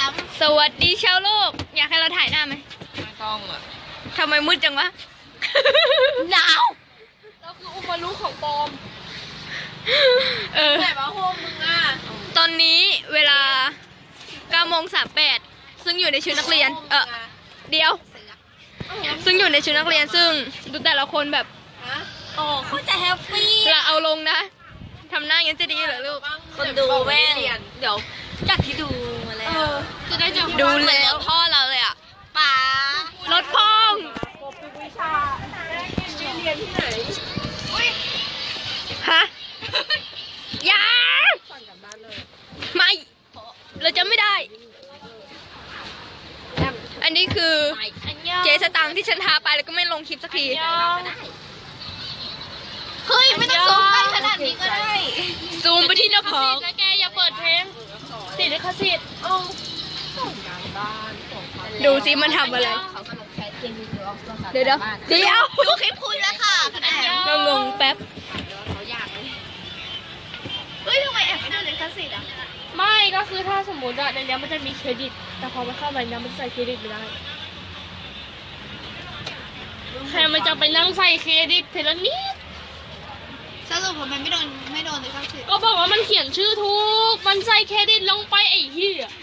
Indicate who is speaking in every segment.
Speaker 1: สวัสดีชาวโลกอยากให้เราถ่ายหน้าไหม
Speaker 2: ไม่ต้องอ่ะ
Speaker 1: ทำไมมืดจังวะหนาว
Speaker 2: เราคืออุปมารู้ของปอม
Speaker 1: แต่ว่าโฮมมึงอ่ะตอนนี้เวลา9:38ซึ่งอยู่ในชุดนักเรียนเดี๋ยวซึ่งอยู่ในชุดนักเรียนซึ่งดูแต่ละคนแบบ
Speaker 3: โอ้เขาจะแฮปปี้
Speaker 1: เราเอาลงนะทำหน้าอย่างนี้จะดีเหรอลูก
Speaker 3: คนดูแม่งเดี๋ยวจากที่ดูมาแล้ว
Speaker 1: จะได้ดูแล้วพ่อเราเลยอ่ะ
Speaker 3: ป๋าร
Speaker 1: ถพ่อง
Speaker 2: วิชาเรียนที่ไหน
Speaker 1: ฮะยาไม่เราจะไม่ได้อันนี้คือเจสตังที่ฉันทาไปแล้วก็ไม่ลงคลิปสักที
Speaker 3: เฮ้ยไม่ต้องซูมไปขนาดนี้ก็ได้
Speaker 1: ซูมไปที่หน้าผาก
Speaker 2: แล้วแกอย่าเปิดเพลงติดลิขสิทธิ์
Speaker 1: ดูสิมันทำอะไรเดี๋ยว
Speaker 3: ดูคลิปคุณแล้วค่ะ
Speaker 1: เรางงแป๊บ
Speaker 3: เฮ้ยทำไมแอบไม่ดูลิขสิทธิ์อ่ะ
Speaker 2: ไม่ก็คือถ้าสมมติอะในนี้มันจะมีเครดิตแต่พอมันเข้าไปเนี่ยมันใส่เครดิตไม่ได้ใครมันจะไปนั่งใส่เครดิตเทละนิด
Speaker 3: สรุปผมไม่โดนลิขสิทธิ์
Speaker 2: ก็บอกว่ามันเขียนชื่อถูกมันใส่เครดิตลงไปไอ้เหี้ย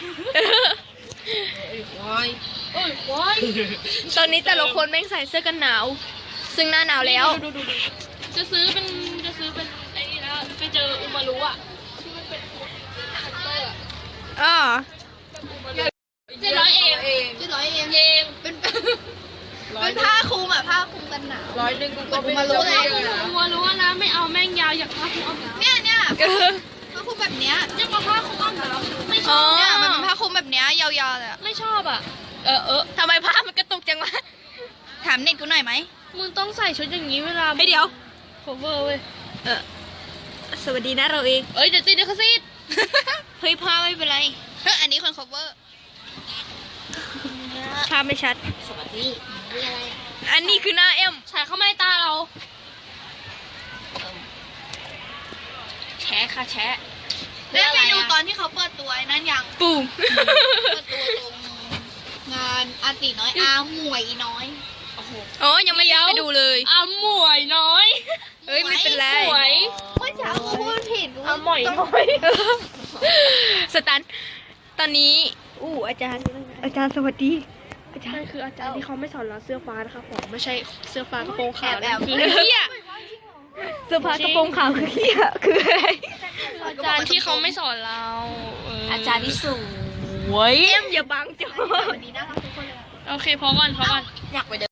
Speaker 1: ตอนนี้แต่ละคนแม่งใส่เสื้อกันหนาวซึ่งหน้าหนาวแล้ว
Speaker 2: ดูจะซื้อเป็นไอ้นี่แล้วไปเจออุมารุอะที่มันเป็น700 เอง
Speaker 3: เป็นผ้าคลุมผ้าคลุมกันหนาว
Speaker 2: 100กูก็
Speaker 3: มารู้เลย
Speaker 2: มารู้นะไม่เอาแม่งยาวอยากผ้าคลุมอ้อมหนาว
Speaker 3: เนี่ยผ้าคลุมแบบเนี้ย
Speaker 2: จะมาผ้าคลุมอ้อมหนาวไม่ชอบ
Speaker 3: เนี่ยมันเป็นผ้าคลุมแบบเนี้ยยาวๆเลย
Speaker 2: ไม่ชอบอ่ะ
Speaker 1: ทำไมผ้ามันกระตุกจังวะ
Speaker 3: ถามเน็ตกูหน่อยไหม
Speaker 2: มึงต้องใส่ชุดอย่างนี้เวลา
Speaker 1: ให้เดี๋ยว
Speaker 2: cover เว้ย
Speaker 1: สวัสดีนะเราเอง
Speaker 2: เดี๋ยวติดลิขสิทธิ์
Speaker 1: เฮ้ยผ้าไม่เป็นไร
Speaker 3: อันนี้คน cover
Speaker 1: ภาพไม่ชัด
Speaker 3: สวัสดีนี่อะไร
Speaker 1: อันนี้คือหน้าเอ็ม
Speaker 2: ฉายเข้ามาในตาเรา
Speaker 3: แชะค่ะแชะได้ไปดูตอนที่เขาเปิดตัวนั่นยัง
Speaker 1: ปุ่ม
Speaker 3: เปิดตัวตรงงานอาติน้อยหมวยน้อย
Speaker 1: อ๋อยังไม่เลี้ยวไปดูเลย
Speaker 2: หมวยน้อย
Speaker 1: เฮ้ยไม่เป็นไร
Speaker 2: หมวย
Speaker 3: เมื่อเช้าเขาพูดผิด
Speaker 2: หมวยน้อย
Speaker 1: สตันตอนนี้อาจารย์สวัสดี
Speaker 2: อาจารย์คืออาจารย์ที่เขาไม่สอนเราเสื้อฟ้านะคะผมไม่ใช่เสื้อฟ้ากระโปรงขาว
Speaker 1: คือเหี้ยเสื้อผ้ากระโปรงขาวคือเหี้ยคืออะไร
Speaker 2: อาจารย์ที่เขาไม่สอนเรา
Speaker 3: อาจารย์ที่ส
Speaker 1: วยเอ็มอย่าบังจ้ะ
Speaker 3: วันนี้น่ารักทุกคนเลย
Speaker 2: โอเคพอก่อน
Speaker 3: อยากไปเดิน